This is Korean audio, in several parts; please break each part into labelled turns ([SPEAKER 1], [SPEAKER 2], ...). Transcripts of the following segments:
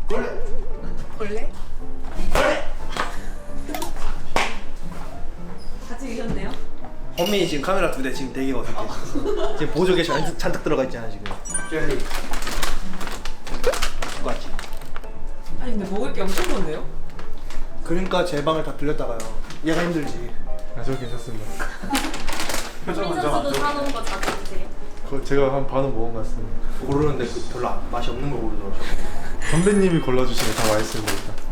[SPEAKER 1] 벌레?
[SPEAKER 2] 다 찍으셨네요?
[SPEAKER 3] 현민이 지금 카메라 2대 지금 되게 어색해. 지금 보조개 잔뜩 들어가 있잖아 지금. 젤리. 똑같지.
[SPEAKER 2] 아니 근데 먹을 게 엄청 많네요?
[SPEAKER 3] 그러니까 제 방을 다 들렸다가요. 얘가 힘들지.
[SPEAKER 4] 아, 저 괜찮습니다.
[SPEAKER 5] 현민 선수도 사놓은 거 자주 드세요?
[SPEAKER 4] 그거 제가 한 반은 먹은 것 같습니다.
[SPEAKER 3] 고르는데 그 별로 맛이 없는 걸 고르더라고.
[SPEAKER 4] 선배님이 골라주시면 다 맛있습니다.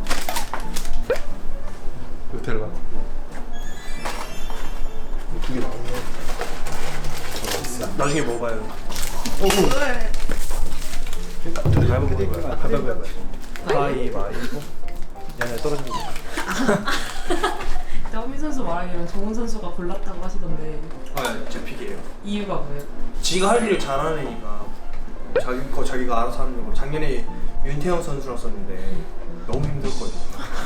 [SPEAKER 4] 누텔라.
[SPEAKER 3] 두개 나오네. 나중에 먹어봐요. 오. 그러니까 둘이 잘 먹어봐요. 가위바위보. 가위바위보. 야야 떨어지고.
[SPEAKER 2] 근데 허민 선수 말하기로는 정훈 선수가 골랐다고 하시던데
[SPEAKER 3] 제 픽이에요.
[SPEAKER 2] 이유가 뭐예요?
[SPEAKER 3] 지가 할 일을 잘하는 애니까 자기가 알아서 하는 거고. 작년에 윤태영 선수랑 썼는데 너무 힘들거든요.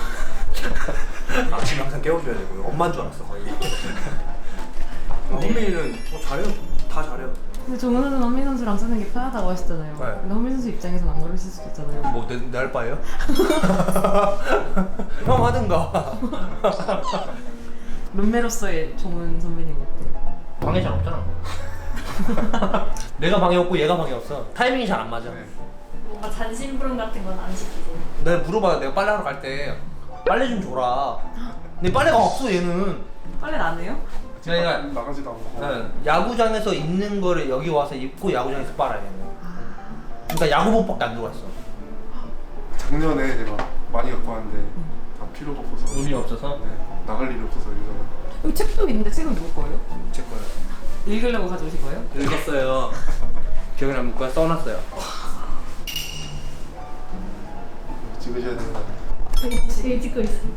[SPEAKER 3] 아침에 항상 깨워줘야 되고요. 엄마인 줄 알았어 거의. 헌민이는 잘해요. 다 잘해요.
[SPEAKER 2] 근데 정훈 선수는 허민 선수랑 쓰는 게 편하다고 하시잖아요.
[SPEAKER 3] 네.
[SPEAKER 2] 근데 허민 선수 입장에서는 안 그러실 수도 있잖아요.
[SPEAKER 3] 뭐 내 알바예요? 형 하든가.
[SPEAKER 2] 룸메로서의 정훈 선배님 어때요?
[SPEAKER 3] 방해 잘 없잖아. 내가 방해 없고 얘가 방해 없어. 타이밍이 잘 안 맞아.
[SPEAKER 5] 뭔가 잔심부름 같은 건 안 시키세요?
[SPEAKER 3] 내가 물어봐. 내가 빨래하러 갈 때 빨래 좀 줘라. 근데 빨래가 없어 얘는.
[SPEAKER 2] 빨래 안 해요?
[SPEAKER 3] 그러니까
[SPEAKER 4] 나가지도 않고.
[SPEAKER 3] 야구장에서 입는 거를 여기 와서 입고 야구장에서 빨아야 돼. 그러니까 야구복밖에 안 들어갔어.
[SPEAKER 4] 작년에 제가 많이 갖고 왔는데 다 필요가 없어서.
[SPEAKER 3] 의미 없어서?
[SPEAKER 4] 네, 나갈 일이 없어서 요즘은.
[SPEAKER 2] 여기 책도 있는데 책은 누구 거예요?
[SPEAKER 3] 제 거예요.
[SPEAKER 2] 읽으려고 가져오신 거예요?
[SPEAKER 3] 읽었어요. 기억에 남는 거야? 써놨어요.
[SPEAKER 4] 찍으셔야 되는 거 아니에요?
[SPEAKER 5] 저희 찍고 있어요.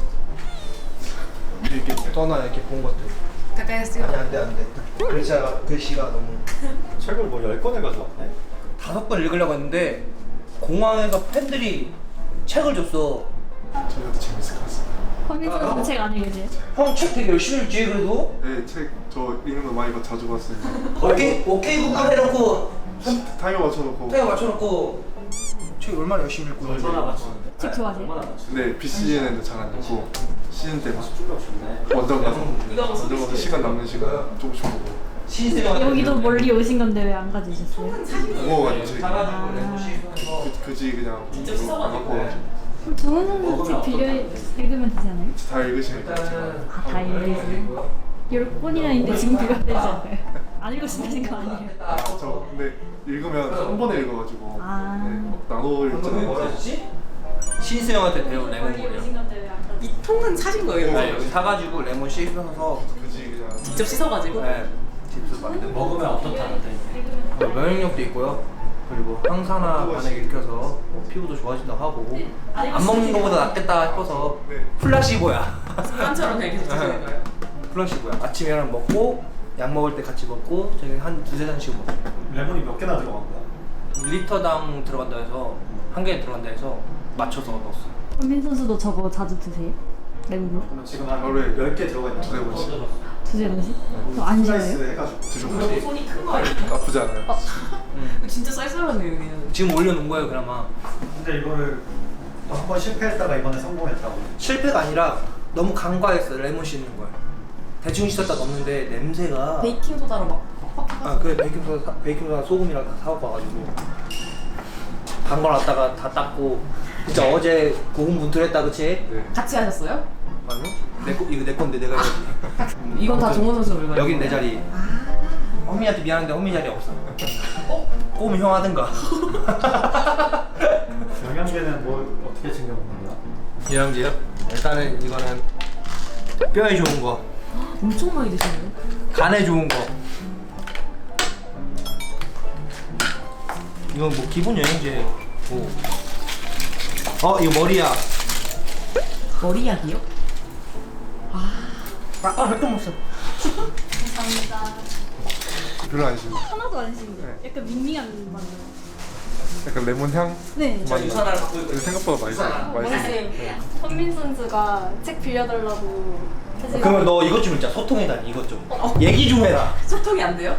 [SPEAKER 3] 이렇게 써놔 이렇게 본 것들.
[SPEAKER 2] 가까이 쓰요.
[SPEAKER 3] 아니 안돼. 글씨가 너무.
[SPEAKER 6] 책을 뭐 10권을 가져왔네?
[SPEAKER 3] 5권 읽으려고 했는데 공항에서 팬들이 책을 줬어.
[SPEAKER 4] 저희도 재밌을 것 같습니다.
[SPEAKER 5] 허민 선수는 책 안 읽으세요?
[SPEAKER 3] 형 책 되게 열심히 읽지 그래도?
[SPEAKER 4] 네, 책 저 읽는 거 많이 자주 봤습니다.
[SPEAKER 3] 오케이 구글 해놓고
[SPEAKER 4] 타이머 맞춰놓고.
[SPEAKER 3] 타이어 맞춰놓고 책 얼마나 열심히 읽고 있는지.
[SPEAKER 5] 책 좋아하세요?
[SPEAKER 4] 근데 비시즌에는 잘 안 읽고 시즌 때만 원정 가서 시간 남는 시간 조금씩 보고.
[SPEAKER 5] 여기도 멀리 오신 건데 왜 안 가져오셨어요?
[SPEAKER 4] 무거워가지고 책이.
[SPEAKER 3] 사가지고 레고시
[SPEAKER 4] 그지 그냥 안 갖고 와가지고.
[SPEAKER 5] 그럼 정훈 선수 책 빌려 읽으면 되지 않아요?
[SPEAKER 4] 다 읽으시면 제가
[SPEAKER 5] 아, 다 읽으세요? 10권이나 있는데 지금 빌려야 되지 않아요? 안 읽으신다는 거 아니에요?
[SPEAKER 4] 저 근데 읽으면 한 번에 읽어가지고
[SPEAKER 5] 아.
[SPEAKER 4] 네, 막 나눠 읽잖아요.
[SPEAKER 3] 뭐였지? 신수 형한테 배운 레몬물이요.
[SPEAKER 5] 건데 왜 안 가져오셨어요?
[SPEAKER 2] 이 통은 사신 거예요?
[SPEAKER 3] 네, 여기 사가지고 레몬 씻어서
[SPEAKER 4] 그지 그냥.
[SPEAKER 2] 직접 씻어가지고?
[SPEAKER 3] 네, 칩스 만든 거.
[SPEAKER 6] 먹으면 어떻다는데?
[SPEAKER 3] 면역력도 있고요. 그리고 항산화 반응 일으켜서 뭐 피부도 좋아진다고 하고 안 먹는 것보다 낫겠다 싶어서 플라시보야.
[SPEAKER 2] 습관처럼 그냥 계속 드시는 거예요?
[SPEAKER 3] 플라시보야. 아침에 하나 먹고 약 먹을 때 같이 먹고 저희 한 2-3잔씩 먹어요.
[SPEAKER 6] 레몬이 몇 개나 들어간 거야?
[SPEAKER 3] 1리터당 들어간다 해서 한 개에 들어간다 해서 맞춰서 넣었어요.
[SPEAKER 5] 허민 선수도 저거 자주 드세요? 레몬?
[SPEAKER 6] 그럼 지금 한
[SPEAKER 4] 하루에
[SPEAKER 6] 10개 들어가 있는
[SPEAKER 4] 두세 번씩.
[SPEAKER 5] 두세 번씩? 그럼 안 싫어요?
[SPEAKER 6] 슬라이스 해가지고
[SPEAKER 4] 드셔보세요.
[SPEAKER 2] 손이 큰 거 아니에요?
[SPEAKER 4] 나쁘지 않아요.
[SPEAKER 2] 진짜 쌀쌀하네요 여기는.
[SPEAKER 3] 지금 올려놓은 거예요 그나마.
[SPEAKER 6] 근데 이거를 한 번 실패했다가 이번에 성공했다고.
[SPEAKER 3] 실패가 아니라 너무 간과했어요 레몬 씻는 걸. 대충 씻었다 넣었는데 냄새가
[SPEAKER 2] 베이킹소다로 막
[SPEAKER 3] 아 그래 베이킹소다 소금이랑 다 사갖고 와가지고 담궈놨다가 다 닦고 진짜 어제 고군분투했다 그치?
[SPEAKER 4] 네.
[SPEAKER 2] 같이 하셨어요?
[SPEAKER 3] 아니요? 이거 내 건데 내가 해야지.
[SPEAKER 2] 이건 다 정원 선수 물건이에요?
[SPEAKER 3] 여긴 내 자리. 허미한테 미안한데 허미 자리 없어. 꼬우면 형 하든가.
[SPEAKER 6] 영양제는 뭐 어떻게 챙겨 먹는 거야?
[SPEAKER 3] 영양제요? 일단은 이거는 뼈에 좋은 거,
[SPEAKER 2] 엄청 많이 드시네요?
[SPEAKER 3] 간에 좋은 거. 이건 뭐 기본 영양제. 이거 머리야.
[SPEAKER 2] 머리약이요?
[SPEAKER 3] 몇개 먹었어.
[SPEAKER 5] 감사합니다.
[SPEAKER 4] 별로 안 싫어요.
[SPEAKER 5] 하나도 안 싫은데 약간 밍밍한 맛 나요.
[SPEAKER 4] 약간 레몬 향.
[SPEAKER 5] 네.
[SPEAKER 3] 저 유산화를 갖고 있거든요.
[SPEAKER 4] 생각보다 맛있어요. 맛있어요.
[SPEAKER 5] 현민 선수가 책 빌려달라고 사실
[SPEAKER 3] 그러면 너 이것 좀 읽자. 소통해다니 이것 좀. 얘기 좀 해라.
[SPEAKER 2] 소통이 안 돼요?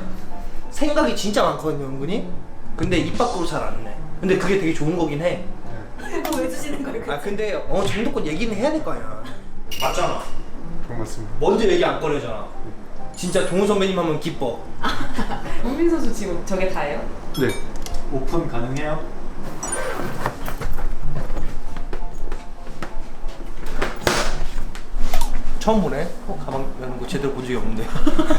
[SPEAKER 3] 생각이 진짜 많거든요 은근히. 근데 입 밖으로 잘 안 내. 근데 그게 되게 좋은 거긴 해.
[SPEAKER 5] 하시는 거예요?
[SPEAKER 3] 아 근데 어느 정도껏 얘기는 해야 될 거 아니야. 맞잖아.
[SPEAKER 4] 반갑습니다.
[SPEAKER 3] 먼저 얘기 안 꺼내잖아. 진짜 동훈 선배님 하면 기뻐.
[SPEAKER 2] 홍민 선수 지금 저게 다예요?
[SPEAKER 4] 네.
[SPEAKER 6] 오픈 가능해요?
[SPEAKER 3] 처음 보네. 가방 여는 거 제대로 본 적이 없는데.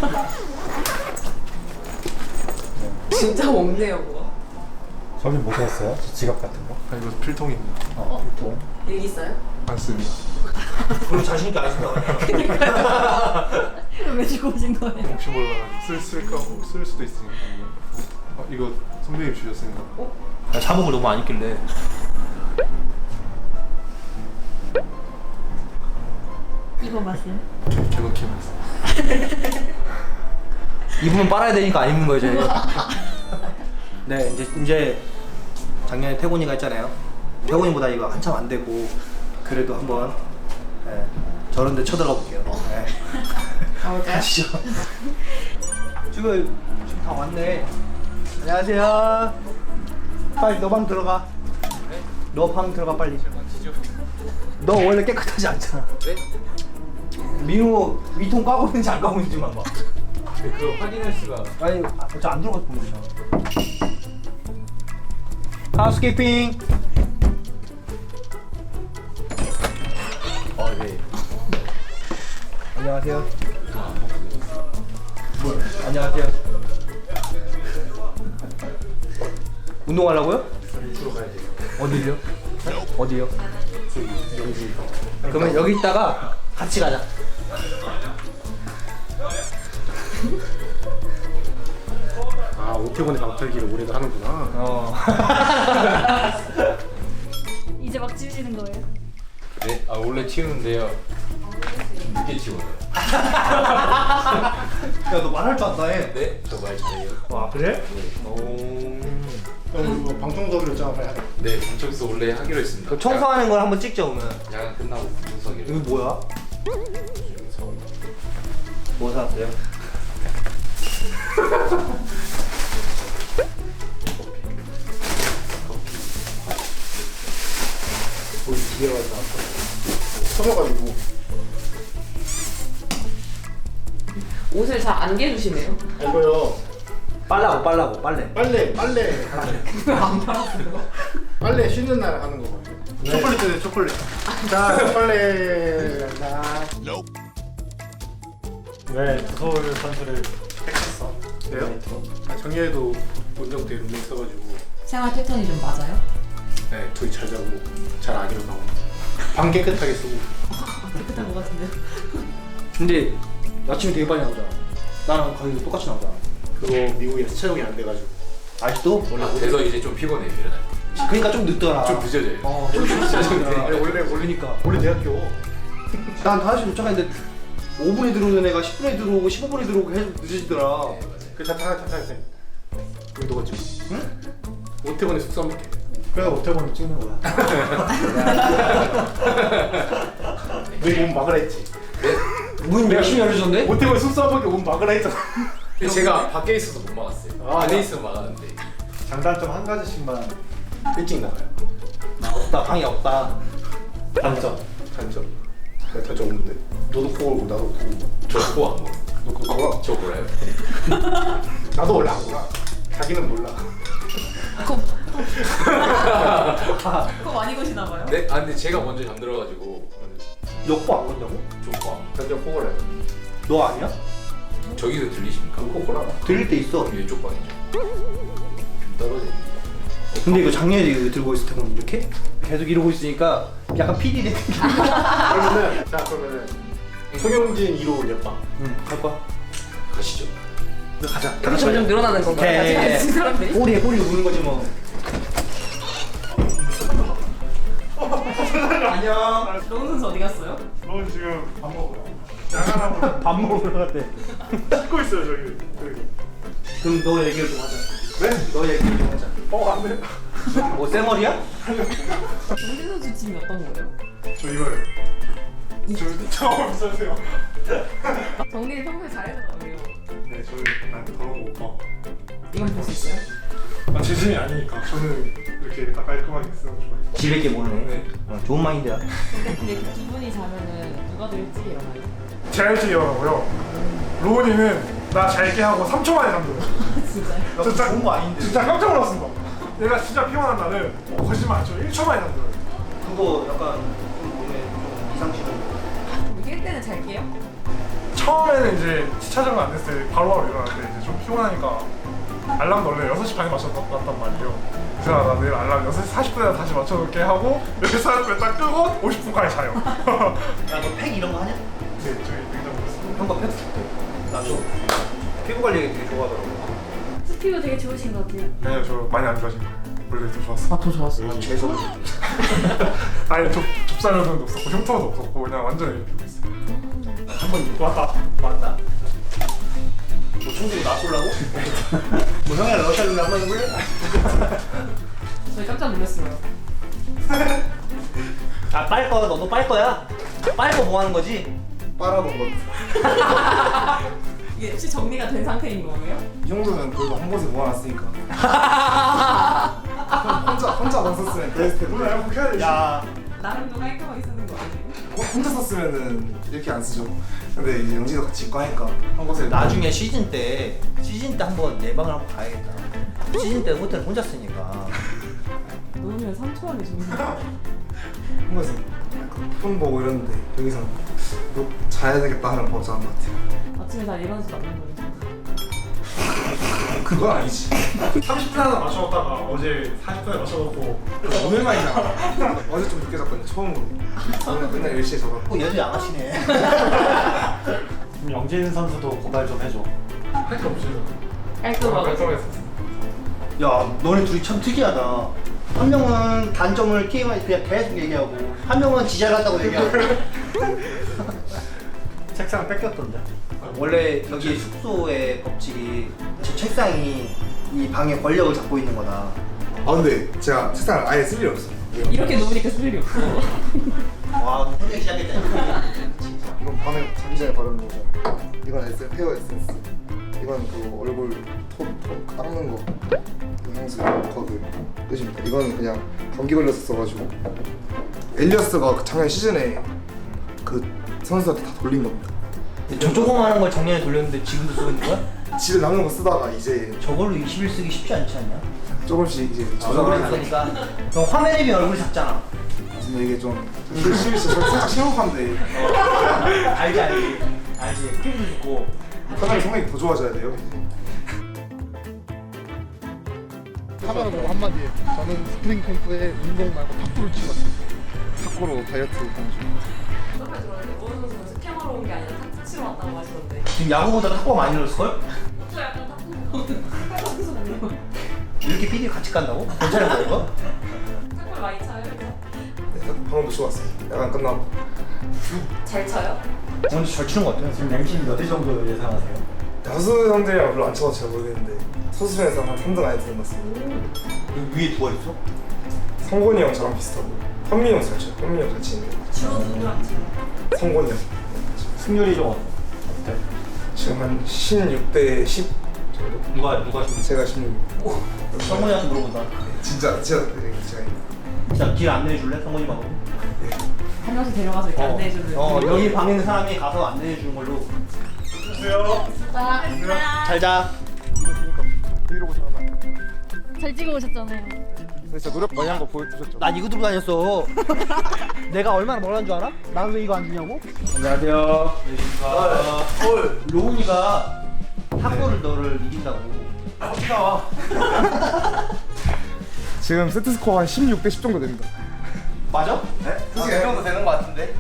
[SPEAKER 2] 진짜 먹네요 그거.
[SPEAKER 6] 저기 뭐 샀어요? 저 지갑 같은 거?
[SPEAKER 4] 아 이거 필통입니다.
[SPEAKER 2] 얘기 있어요?
[SPEAKER 4] 안 씁니다.
[SPEAKER 3] 그럼 자신 있게 안 쓴다고 하냐.
[SPEAKER 5] 왜 주고 오신 거예요?
[SPEAKER 4] 혹시 몰라 쓸까 쓸 수도 있으니까. 이거 선배님 주셨습니다.
[SPEAKER 3] 나 자목을 너무 안 입길래.
[SPEAKER 5] 이거 맛이요?
[SPEAKER 4] 개박히 맛있어.
[SPEAKER 3] 입으면 빨아야 되니까 안 입는 거예요 저희. 네 이제 작년에 태곤이가 했잖아요. 태곤이보다 이거 한참 안 되고 그래도 한번 저런데 쳐들어가 볼게요.
[SPEAKER 2] 가볼까요?
[SPEAKER 3] 가시죠. 지금 다 왔네. 안녕하세요. 빨리 너 방 들어가. 너 방 들어가 빨리. 너 원래 깨끗하지 않잖아. 네? 민호 위통 까고 있는지 안 까고 있는지만 봐.
[SPEAKER 1] 그거 확인할 수가.
[SPEAKER 3] 아니 저 안 들어가서 보면 되잖아. 하우스키핑.
[SPEAKER 1] 네.
[SPEAKER 3] 안녕하세요. 뭐야? 안녕하세요. 운동하려고요?
[SPEAKER 1] 이쪽으로 가야 돼요.
[SPEAKER 3] 어디요? 어디요?
[SPEAKER 1] 여기.
[SPEAKER 3] 그러면 여기 있다가 같이 가자.
[SPEAKER 1] 아 오태곤의 방탈기를 올해도 하는구나.
[SPEAKER 3] 어.
[SPEAKER 5] 이제 막 지우시는 거예요?
[SPEAKER 1] 네. 아 원래 치우는데요. 좀 늦게 치워요.
[SPEAKER 3] 야너 말할 줄 안다 해.
[SPEAKER 1] 네. 저 말 잘해요.
[SPEAKER 3] 와 그래?
[SPEAKER 7] 형 이거 방청석으로 짜 봐야 돼.
[SPEAKER 1] 네. 방청소 원래 하기로 했습니다.
[SPEAKER 3] 그 청소하는 걸 한번 찍자 오면.
[SPEAKER 1] 야간 끝나고 방청석이요.
[SPEAKER 3] 이거 뭐야? 뭐 사왔어요?
[SPEAKER 7] 서져가지고
[SPEAKER 2] 옷을 잘 안 개주시네요.
[SPEAKER 7] 이거요.
[SPEAKER 3] 빨라고 빨래.
[SPEAKER 7] 빨래
[SPEAKER 2] 안 팔았어요?
[SPEAKER 7] 빨래 쉬는 날 하는 거. 초콜릿 주세요 초콜릿. 자 초콜릿. 나.
[SPEAKER 6] 왜 서울 선수를 택했어?
[SPEAKER 7] 네요? 작년에도 원정 때 룸메 있어가지고
[SPEAKER 2] 생활 패턴이 좀 맞아요?
[SPEAKER 7] 네 둘이 잘 자고 잘 안 일어나고 방 깨끗하게 쓰고.
[SPEAKER 2] 깨끗한 것 같은데요?
[SPEAKER 3] 근데 아침에 되게 빨리 나오잖아. 나랑 거의 똑같이 나오잖아.
[SPEAKER 7] 그거 미국에서 채용이 안 돼가지고.
[SPEAKER 3] 아직도?
[SPEAKER 1] 그래서 이제 좀 피곤해요 일어날 때.
[SPEAKER 3] 그러니까 좀 늦더라.
[SPEAKER 1] 좀 늦어져요.
[SPEAKER 3] 좀 늦어져.
[SPEAKER 7] 아니 원래
[SPEAKER 3] 모르니까.
[SPEAKER 7] 원래 대학교
[SPEAKER 3] 난 5시 도착했는데 5분에 들어오는 애가 10분에 들어오고 15분에 들어오고 계속 늦어지더라.
[SPEAKER 7] 그 자타했어요. 그럼 너가 찍어. 응? 오태곤의 숙소 한번 볼게. 그래 오태곤이 찍는 거야. 왜몸 막으라 했지?
[SPEAKER 3] 문 열심히 열어줬는데?
[SPEAKER 7] 오태곤 숙소 한번 볼게 몸 막으라 했잖아.
[SPEAKER 1] 근데 제가 밖에 있어서 못 막았어요.
[SPEAKER 7] 아,
[SPEAKER 1] 안에 있으면 막았는데.
[SPEAKER 6] 장단점 한 가지씩만.
[SPEAKER 7] 일찍 나가요.
[SPEAKER 3] 없다 방이 없다.
[SPEAKER 7] 단점. 내가 단점 없는데. 너도 코 골고 나도 코 골고.
[SPEAKER 1] 저 그거 안 먹어.
[SPEAKER 7] 너 그거 골아?
[SPEAKER 1] 저 몰라요.
[SPEAKER 7] 나도 원래 안 골아. 자기는 몰라.
[SPEAKER 2] 그거 많이 거시나 봐요?
[SPEAKER 1] 네? 아 근데 제가 먼저 잠들어가지고
[SPEAKER 3] 역보 안 건다고?
[SPEAKER 1] 좀 와.
[SPEAKER 7] 단점 코 골아요.
[SPEAKER 3] 너 아니야?
[SPEAKER 1] 저기서 들리십니까?
[SPEAKER 7] 코 골아.
[SPEAKER 3] 들릴 때 있어.
[SPEAKER 1] 이쪽 방이죠. 좀 떨어져.
[SPEAKER 3] 근데 이거 작년에 이거 들고 있을 때는 이렇게 계속 이러고 있으니까 약간 PD 된 느낌.
[SPEAKER 7] 그러면은 송영진 2로 옆방.
[SPEAKER 3] 응, 갈 거야.
[SPEAKER 1] 가시죠.
[SPEAKER 3] 가자.
[SPEAKER 2] 여기 점점 늘어나는 건가요?
[SPEAKER 3] 네.
[SPEAKER 2] 같이 가는 사람들이?
[SPEAKER 3] 꼬리에 우는 거지 뭐. 안녕.
[SPEAKER 2] 로운 선수 어디 갔어요?
[SPEAKER 7] 넌 지금 밥 먹으러. 야간하고
[SPEAKER 3] 밥 먹으러 갔대.
[SPEAKER 7] 찍고 있어요 저기.
[SPEAKER 3] 그럼 너 얘기를 좀 하자.
[SPEAKER 7] 네?
[SPEAKER 3] 너 얘기를 좀 하자.
[SPEAKER 7] 안 돼.
[SPEAKER 3] 뭐 쌩얼이야?
[SPEAKER 2] 정진 선수 팀이 어떤 거예요?
[SPEAKER 7] 저 이거요. 저 처음 없으세요.
[SPEAKER 2] 정진이 평소에 잘해주더라고요.
[SPEAKER 7] 네, 저는 나한테 그런 거 못 봐.
[SPEAKER 2] 이건 볼 수 있어요?
[SPEAKER 7] 아, 제 진이 아니니까. 저는 이렇게 딱 깔끔하게 쓰는 거 좋아해요.
[SPEAKER 3] 지밖에 모르네.
[SPEAKER 4] 네.
[SPEAKER 3] 좋은 마인드야.
[SPEAKER 2] 근데 두 분이 자면은 누가 더 일찍 일어나요?
[SPEAKER 7] 제가 일찍 일어나고요. 로운이는 나 잘게 하고 3초 만에 잠들어요.
[SPEAKER 2] 진짜요?
[SPEAKER 7] 진짜
[SPEAKER 3] 좋은 거 아닌데.
[SPEAKER 7] 진짜 깜짝 놀랐습니다. 얘가 진짜 피곤한 날은 거짓말 안 쳐. 1초 만에 잠들어요.
[SPEAKER 3] 그거 약간 좀 몸에 좀 이상치는.
[SPEAKER 2] 깰 때는 잘 깨요?
[SPEAKER 7] 처음에는 이제 시차적으로 안 됐을 때 바로바로 일어났는데 이제 좀 피곤하니까 알람도 원래 6시 반에 맞춰놨단 말이에요. 그래서 나 내일 알람 6시 40분에 다시 맞춰놓게 하고 6시 40분에 딱 끄고 50분까지 자요.
[SPEAKER 3] 야너 팩 이런 거 하냐?
[SPEAKER 7] 네, 저희 냉장고 있습니다.
[SPEAKER 3] 한번 팩 줄게. 나도 피부 관리 되게 좋아하더라고.
[SPEAKER 5] 피부 되게 좋으신 것 같아요.
[SPEAKER 7] 아니요, 저 많이 안 좋아진 거예요. 원래 더 좋았어.
[SPEAKER 2] 더 좋았어요.
[SPEAKER 3] 재수.
[SPEAKER 7] 아니, 좁쌀면도 없었고 흉터도 없었고 그냥 완전히 피고 있어요.
[SPEAKER 3] 한번
[SPEAKER 7] 왔다.
[SPEAKER 3] 왔다. 뭐 총들이 나 쏠라고? 뭐 형이랑 러시아를 한번 해볼래?
[SPEAKER 2] 저희 깜짝 놀랐어요.
[SPEAKER 3] 아 빨 거, 너도 빨 거야? 빨 거 뭐 하는 거지?
[SPEAKER 4] 빨아본 것.
[SPEAKER 2] 이게 혹시 정리가 된 상태인 거예요?
[SPEAKER 4] 이 정도면 그래도 한 곳에 모아놨으니까. 혼자 안 썼으면 베스트.
[SPEAKER 7] 몰라요, 그렇게 해야 돼.
[SPEAKER 3] 야,
[SPEAKER 2] 나름도 깔끔하게 쓰는 거 아니에요?
[SPEAKER 4] 혼자 썼으면은 이렇게 안 쓰죠. 근데 이제 영지도 같이 입고 하니까 한 곳에
[SPEAKER 3] 나중에 시즌 때 한번 내 방을 한번 가야겠다. 시즌 때 호텔 혼자 쓰니까.
[SPEAKER 2] 놓으면 3초 안에 죽는다.
[SPEAKER 4] 한 곳에 폰 보고 이러는데 여기서 너 자야 되겠다 하는 버릇 하는 것 같아요.
[SPEAKER 2] 아침에 잘 일어나지도 않는 거예요.
[SPEAKER 4] 그건 아니지.
[SPEAKER 7] 30분 하나 맞춰놓다가 어제 40분에 맞춰놓고
[SPEAKER 4] 오늘 많이 나. 어제 좀 늦게 잤거든요. 처음으로. 저는 맨날 10시에 자고.
[SPEAKER 3] 여자 양아치네.
[SPEAKER 6] 그럼 영진 선수도 고발 좀 해줘.
[SPEAKER 7] 할 게 없어요.
[SPEAKER 2] 깔끔하고.
[SPEAKER 7] 깔끔했어.
[SPEAKER 3] 야, 너네 둘이 참 특이하다. 한 명은 단점을 게임할 그냥 계속 얘기하고, 한 명은 지잘 같다고 얘기하고.
[SPEAKER 6] 책상 뺏겼던데.
[SPEAKER 3] 원래 여기 숙소의 법칙이 저 책상이 이 방의 권력을 잡고 있는 거다.
[SPEAKER 4] 아 근데 제가 책상을 아예 쓸 일이 없어요.
[SPEAKER 2] 이렇게 놓으니까 쓸 일이 없어.
[SPEAKER 3] 와, 혼자 시작했다.
[SPEAKER 4] 이건 밤에 자기 전에 바르는 거고, 이건 헤어 에센스, 이건 그 얼굴 톤 닦는 거, 그 향수 그 끝입니다. 이건 그냥 감기 걸려서 써가지고 엘리어스가 그 작년 시즌에 그 선수한테 다 돌린 겁니다.
[SPEAKER 3] 저 조그마한 걸 작년에 돌렸는데 지금도 쓰고 있는 거야?
[SPEAKER 4] 집에 남는 거 쓰다가 이제
[SPEAKER 3] 저걸로 20일 쓰기 쉽지 않지 않냐?
[SPEAKER 4] 조금씩 이제
[SPEAKER 3] 얼굴이
[SPEAKER 4] 조정을
[SPEAKER 3] 작으니까. 그럼 화면에 비해 얼굴이 작잖아.
[SPEAKER 4] 근데 이게 좀 살짝 심각한데
[SPEAKER 3] 알지. 피부도 좋고.
[SPEAKER 4] 사람이 성격이 더 좋아져야 돼요. 카메라 보고 한마디에 저는 스프링 캠프에 운동 말고 탁구를 치고 왔습니다. 탁구로 다이어트 하는 중.
[SPEAKER 2] 정말 들었는데 오은 선수는 스캠하러 온 게 아니라 탁구 치러 왔다고 하시던데.
[SPEAKER 3] 지금 야구보다 탁구가 많이 늘었을걸?
[SPEAKER 2] 저 약간 탁구 선수네요.
[SPEAKER 3] 이렇게 PD 같이 간다고? 괜찮은 거야 이거?
[SPEAKER 2] 탁구를 많이 차요? 그래서?
[SPEAKER 4] 네, 방금도 치고 왔어요. 약간 끝나고.
[SPEAKER 2] 잘 차요?
[SPEAKER 3] 오늘 잘 치는 것 같아요.
[SPEAKER 6] 지금 랭킹 몇 위 정도 예상하세요?
[SPEAKER 4] 야수 형들이랑 별로 안 쳐서 잘 모르겠는데 소수전에서 한 3등 안에 드는 것 같습니다.
[SPEAKER 3] 여기 위에 누가 있어?
[SPEAKER 4] 성곤이 형 저랑 비슷하고 현민이 형 잘 쳐요. 현민이 형 잘 치는데
[SPEAKER 2] 주로 누구랑 쳐요?
[SPEAKER 4] 성곤이 형
[SPEAKER 6] 승률이 좀 어때?
[SPEAKER 4] 지금 한 16대 10 정도?
[SPEAKER 3] 누가
[SPEAKER 4] 제가 16.
[SPEAKER 3] 성훈이한테 물어본다.
[SPEAKER 4] 진짜 제가
[SPEAKER 3] 진짜 길 안내해 줄래? 성훈이하고.
[SPEAKER 2] 한 명씩 데려가서 이렇게 안내해주는.
[SPEAKER 3] 여기 방에 있는 사람이 가서 안내해 주는 걸로. 잘 자.
[SPEAKER 4] 브이로그 촬영만.
[SPEAKER 5] 잘 찍어 오셨잖아요.
[SPEAKER 4] 진짜 노력 많이 한 거 보여주셨죠?
[SPEAKER 3] 난 이거 들고 다녔어. 내가 얼마나 멀었는 줄 알아? 난 왜 이거 안 주냐고?
[SPEAKER 1] 안녕하세요.
[SPEAKER 3] 로운이가 탁구를 너를 이긴다고.
[SPEAKER 4] 지금 세트 스코어 한 16대 10 정도 됩니다.
[SPEAKER 3] 맞아?
[SPEAKER 1] 네? 그 정도 되는 것 같은데?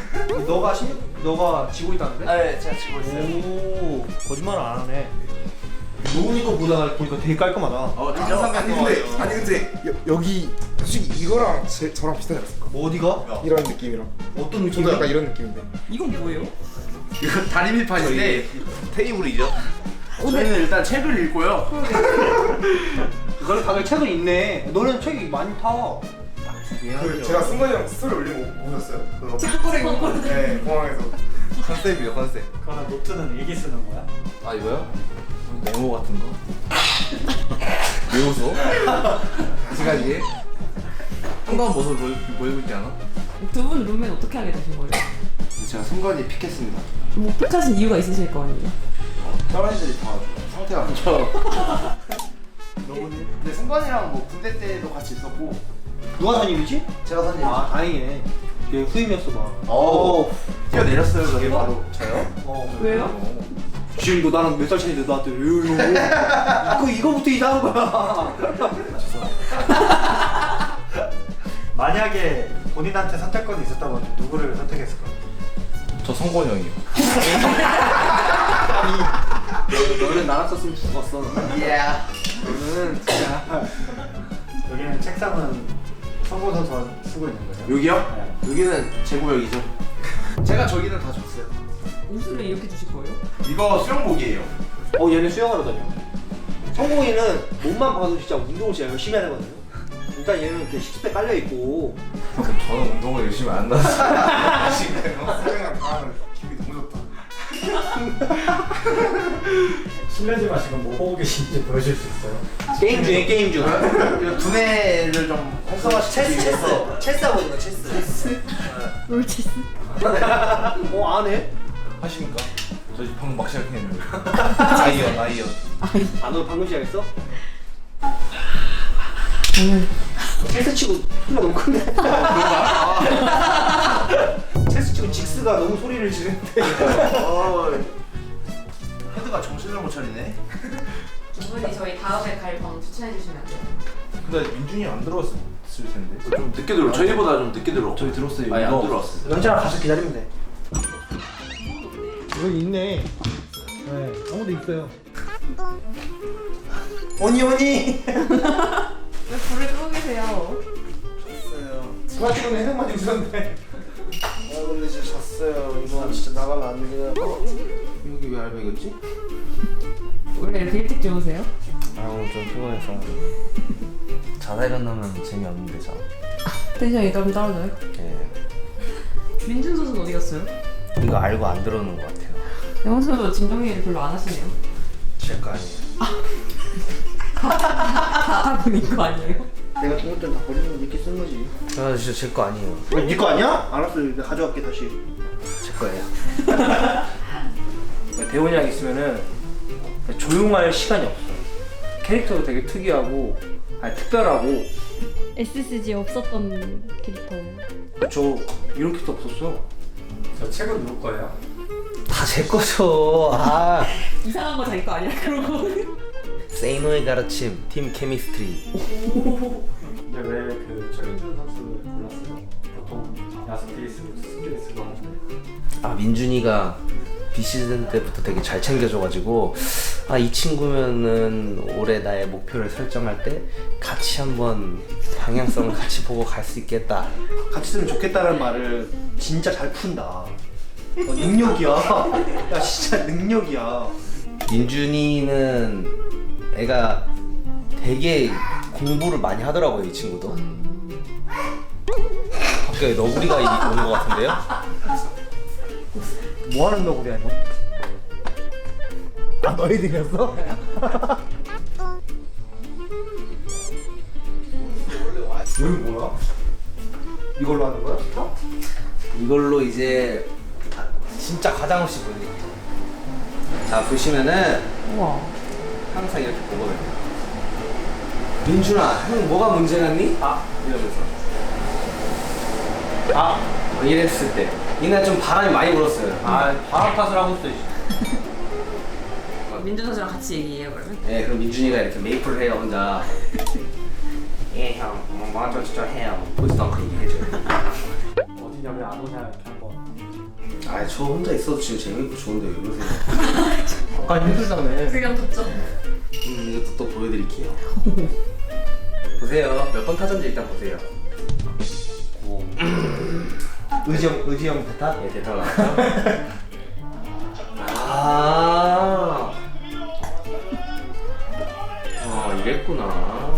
[SPEAKER 3] 너가 지고 있다는데?
[SPEAKER 1] 네, 제가 지고 있어요.
[SPEAKER 3] 오, 거짓말 안 하네. 로운이 거 보니까 되게 깔끔하다.
[SPEAKER 1] 항상
[SPEAKER 4] 아니 근데 여기 솔직히 이거랑 저랑 비슷하지 않습니까?
[SPEAKER 3] 어디가?
[SPEAKER 4] 이런 느낌이랑
[SPEAKER 3] 어떤
[SPEAKER 4] 저도
[SPEAKER 3] 느낌이야?
[SPEAKER 4] 약간 이런 느낌인데
[SPEAKER 2] 이건 뭐예요?
[SPEAKER 1] 이거 다리 밀판인데 테이블이죠. 저희는 일단 책을 읽고요.
[SPEAKER 3] 너는 다들 책은 있네. 너는 책이 많이 타.
[SPEAKER 4] 그 제가 승관이 형 스토리 올린 거 보셨어요? 그거
[SPEAKER 2] 탁구를 먹고.
[SPEAKER 4] 네 공항에서
[SPEAKER 1] 컨셉이요, 컨셉.
[SPEAKER 6] 그러면 노트는 일기 쓰는 거야?
[SPEAKER 1] 아, 이거요? 메모 같은 거? 왜 웃어? 아직까지? 한가한 모습을 보이고 있지 않아?
[SPEAKER 2] 두 분 룸메는 어떻게 하게 되신 거예요?
[SPEAKER 4] 제가 승관이 픽했습니다.
[SPEAKER 2] 뭐 픽하신 이유가 있으실 거 아니에요?
[SPEAKER 4] 다른 애들이 다 상태가 안 좋아. 근데 승관이랑 뭐 군대 때도 같이 있었고
[SPEAKER 3] 누가 선임이지?
[SPEAKER 4] 제가 선임.
[SPEAKER 3] 아 다행이네. 얘 후임이었어 봐.
[SPEAKER 4] 뛰어내렸어요. 그게 바로 저요.
[SPEAKER 2] 왜요?
[SPEAKER 3] 지금도 나랑 몇 살 차이인데 나한테 왜요? 이거부터 이상한 거야.
[SPEAKER 6] 만약에 본인한테 선택권이 있었다면 누구를 선택했을 것 같아요?
[SPEAKER 1] 저 성권 형이요.
[SPEAKER 3] 너는 나랑 썼으면 죽었어.
[SPEAKER 4] 예.
[SPEAKER 3] 너는 진짜.
[SPEAKER 6] 여기는 책상은 성공 선수가 쓰고 있는 거예요?
[SPEAKER 1] 여기요? 여기는 제 구역이죠.
[SPEAKER 4] 제가 저기는 다 줬어요.
[SPEAKER 2] 옷을 왜 이렇게 주실 거예요?
[SPEAKER 1] 이거 수영복이에요.
[SPEAKER 3] 얘는 수영하러 다녀. 성공이는 몸만 봐도 진짜 운동을 진짜 열심히 하거든요. 일단 얘는 이렇게 식스팩 깔려 있고.
[SPEAKER 1] 저는 운동을 열심히 안 나서 지금.
[SPEAKER 4] 수영이랑 가면 기분이 너무 좋다.
[SPEAKER 6] 실례지만 지금 뭐 보고 계신지 보여줄 수 있어요?
[SPEAKER 3] 게임 중에 게임 중.
[SPEAKER 1] 이 두뇌를 좀 활성화시키기 위해서
[SPEAKER 3] 체스 하고 있는 거 체스.
[SPEAKER 5] 롤체스.
[SPEAKER 3] 안 해?
[SPEAKER 1] 하십니까? 저 지금 방금 막 시작했는데. 아이언.
[SPEAKER 3] 너 방금 시작했어? 체스 치고 소리가 너무 큰데. 체스 치고 직스가 너무 소리를 지르는데.
[SPEAKER 1] 헤드가 정신을 못 차리네.
[SPEAKER 2] 두 분이 저희 다음에 갈 방 추천해 주시면 안 돼요?
[SPEAKER 1] 근데 민준이 안 들어왔을 텐데. 좀 늦게 들어. 저희보다 좀 늦게 들어. 저희 들었어요. 아니 안 들어왔어요.
[SPEAKER 3] 연차랑 가서 기다리면 돼. 여기 있네. 네, 아무도 있어요. 오니.
[SPEAKER 2] 왜 불을 끄고 계세요?
[SPEAKER 3] 누가 지금 해석만 주셨는데.
[SPEAKER 4] 근데 진짜 졌어요. 이거 진짜 나가면 안 되긴 해요.
[SPEAKER 1] 여기 왜 알바이겠지?
[SPEAKER 2] 원래 이렇게 일찍 주무세요?
[SPEAKER 8] 아 오늘 좀 피곤해서 자다 일어나면 재미없는데 자.
[SPEAKER 2] 텐션이 좀 떨어져요?
[SPEAKER 8] 예.
[SPEAKER 2] 민준 선수는 어디 갔어요?
[SPEAKER 8] 이거 알고 안 들어오는 것 같아요.
[SPEAKER 2] 영훈 선수 짐 정리를 별로 안 하시네요.
[SPEAKER 8] 제 거 아니에요.
[SPEAKER 2] 다 본인 거 아니에요?
[SPEAKER 3] 내가 좋을 땐다 버리는 거 이렇게 쓰는 거지.
[SPEAKER 8] 아 진짜 제 거 아니에요.
[SPEAKER 3] 네거 아니야? 알았어, 내가 가져갈게 다시.
[SPEAKER 8] 제 거예요.
[SPEAKER 3] 대원이랑 있으면은 조용할 시간이 없어. 캐릭터도 되게 특이하고, 특별하고.
[SPEAKER 5] SSG 없었던 캐릭터.
[SPEAKER 3] 저 이런 캐릭터 없었어.
[SPEAKER 6] 저 책은 누구 거예요?
[SPEAKER 8] 다 제 거죠. 아.
[SPEAKER 2] 이상한 거 자기 거 아니야 그런 거?
[SPEAKER 8] 세이노의 가르침 팀 케미스트리.
[SPEAKER 6] 근데 왜 그 최민준 선수를 불렀어요? 보통 야수끼리 쓰고 스끼리 쓰고 하는데
[SPEAKER 8] 아 민준이가 비시즌 때부터 되게 잘 챙겨줘가지고 이 친구면은 올해 나의 목표를 설정할 때 같이 한번 방향성을 같이 보고 갈 수 있겠다.
[SPEAKER 3] 같이 쓰면 좋겠다는 말을 진짜 잘 푼다. 능력이야. 야, 진짜 능력이야.
[SPEAKER 8] 민준이는 애가 되게 공부를 많이 하더라고요, 이 친구도. 밖에 너구리가 오는 것 같은데요?
[SPEAKER 3] 뭐 하는 너구리야, 이거? 너희들이었어?
[SPEAKER 6] 여기 뭐야?
[SPEAKER 3] 이걸로 하는 거야?
[SPEAKER 8] 이걸로 이제 진짜 가장 없이 보여드릴게요. 자, 보시면은
[SPEAKER 2] 우와.
[SPEAKER 8] 항상 이렇게 보거든요. 민준아, 형 뭐가 문제였니? 이러면서. 이랬을 때. 이날 좀 바람이 많이 불었어요.
[SPEAKER 3] 바람 탓을 하고 있어.
[SPEAKER 2] 민준 선수랑 같이 얘기해요 그러면?
[SPEAKER 8] 네, 그럼 민준이가 이렇게 메이플을 해요, 혼자. 예, 형, 먼저 진짜 해요. 보지도 않고 얘기해줘요.
[SPEAKER 6] 어디냐 왜 안 오냐 이렇게 한번
[SPEAKER 8] 저 혼자 있어도 지금 재밌고 좋은데 왜 그러세요?
[SPEAKER 3] 아까 힘들다며.
[SPEAKER 2] 그냥 덥죠?
[SPEAKER 8] 이것도 또 보여드릴게요. 보세요. 몇 번 타전지 일단 보세요.
[SPEAKER 3] 의지형 대타?
[SPEAKER 8] 예, 대타 나왔죠? 이랬구나.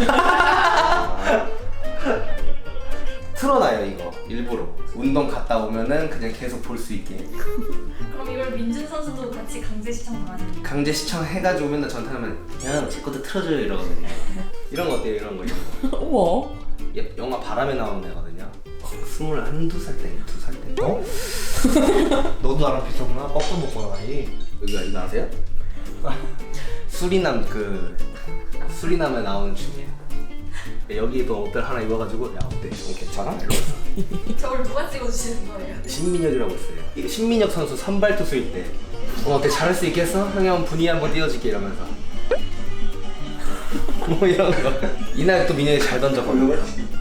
[SPEAKER 8] 틀어놔요, 이거. 일부러. 운동 갔다 오면은 그냥 계속 볼 수 있게.
[SPEAKER 5] 그럼 이걸 민준 선수도 같이 강제 시청 당하는.
[SPEAKER 8] 강제 시청해가지고 맨날 전타하면 야, 제 것도 틀어줘요 이러거든요. 이런 거 어때요? 이런 거.
[SPEAKER 2] 우와.
[SPEAKER 8] 얘 영화 바람에 나오는 애거든요. 21~22살 때, 2살 때.
[SPEAKER 3] 어? 너도 나랑 비슷하구나. 거꾸로 먹고 나이.
[SPEAKER 8] 이거 아세요? 수리남에 나오는 춤이에요. 여기도 옷들 하나 입어가지고 야 어때? 이거 괜찮아? 이러면서
[SPEAKER 2] 저를 누가 찍어주시는 거예요?
[SPEAKER 8] 신민혁이라고 있어요. 이게 신민혁 선수 선발 투수일 때 어때? 잘할 수 있겠어? 형이 한번 분위기 한번 띄워줄게 이러면서 뭐 이런 거. 이날 또 민혁이 잘 던져버려.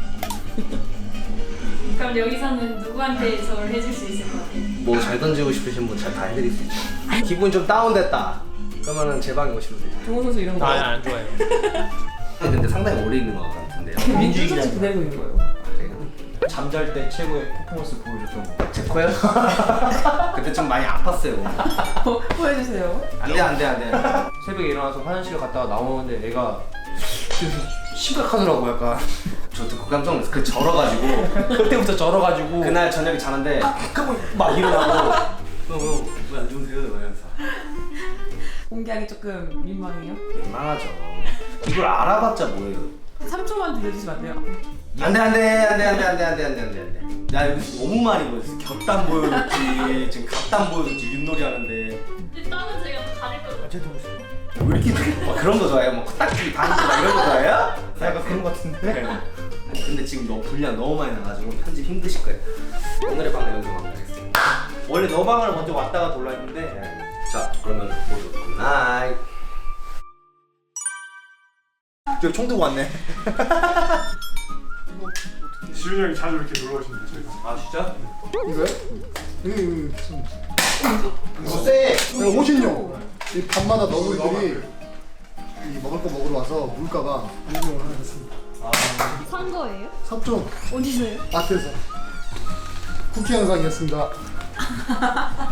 [SPEAKER 5] 그럼 여기서는 누구한테 저를 해줄 수 있을 것 같아요?
[SPEAKER 8] 뭐 잘 던지고 싶으신 분 다 해드릴 수 있죠. 기분 좀 다운됐다. 그러면은 제 방에 오시면 돼요.
[SPEAKER 2] 정우 선수 이런 거.
[SPEAKER 3] 안 좋아해요.
[SPEAKER 8] 근데 상당히 오래 있는 것 같은데요.
[SPEAKER 2] 민주같이 기다리고 있는 거예요.
[SPEAKER 8] 제가
[SPEAKER 3] 잠잘 때 최고의 퍼포먼스 보여줬던 거.
[SPEAKER 8] 제 거요? 그때 좀 많이 아팠어요.
[SPEAKER 2] 보여주세요.
[SPEAKER 8] 안돼.
[SPEAKER 3] 새벽에 일어나서 화장실 갔다가 나오는데 애가 좀 심각하더라고 약간.
[SPEAKER 8] 저 듣고 깜짝 놀랐어요. 그 절어가지고
[SPEAKER 3] 그때부터 절어가지고.
[SPEAKER 8] 그날 저녁에 자는데 막 일어나고 왜안 주무세요? 이러면서
[SPEAKER 2] 공개하기 조금 민망해요.
[SPEAKER 8] 민망하죠. 이걸 알아봤자 뭐예요?
[SPEAKER 2] 3초만 들려주시면 안 돼요?
[SPEAKER 8] 안돼. 야 여기 너무 많이 보였어. 곁단 보여줬지, 지금 갓단 보여줬지, 윷놀이 하는데
[SPEAKER 5] 일단은 제가 가릴 거예요.
[SPEAKER 8] 왜 이렇게 막 그런 거 좋아해요? 뭐 코딱지 다니고 막 이런 거 좋아해요?
[SPEAKER 3] 약간 그런 거 같은데.
[SPEAKER 8] 근데 지금 너무 분량 너무 많이 나가지고 편집 힘드실 거예요. 오늘의 방은 여기서 마무리하겠습니다.
[SPEAKER 3] 원래 너 방을 먼저 왔다가 돌라 했는데.
[SPEAKER 8] 자 그러면 모두 굿나잇.
[SPEAKER 3] 저기 총 들고 왔네.
[SPEAKER 7] 지훈이 형이 자주 이렇게 놀러 오시는데 저희가.
[SPEAKER 3] 아 진짜?
[SPEAKER 4] 이거요? 쎄! 호신용! 이 밤마다 너구리들이 이 먹을 거 먹으러 와서 물가가 인용을 하나 했습니다.
[SPEAKER 5] 산 거예요?
[SPEAKER 4] 삽종
[SPEAKER 5] 어디서요?
[SPEAKER 4] 마트에서 쿠키 영상이었습니다.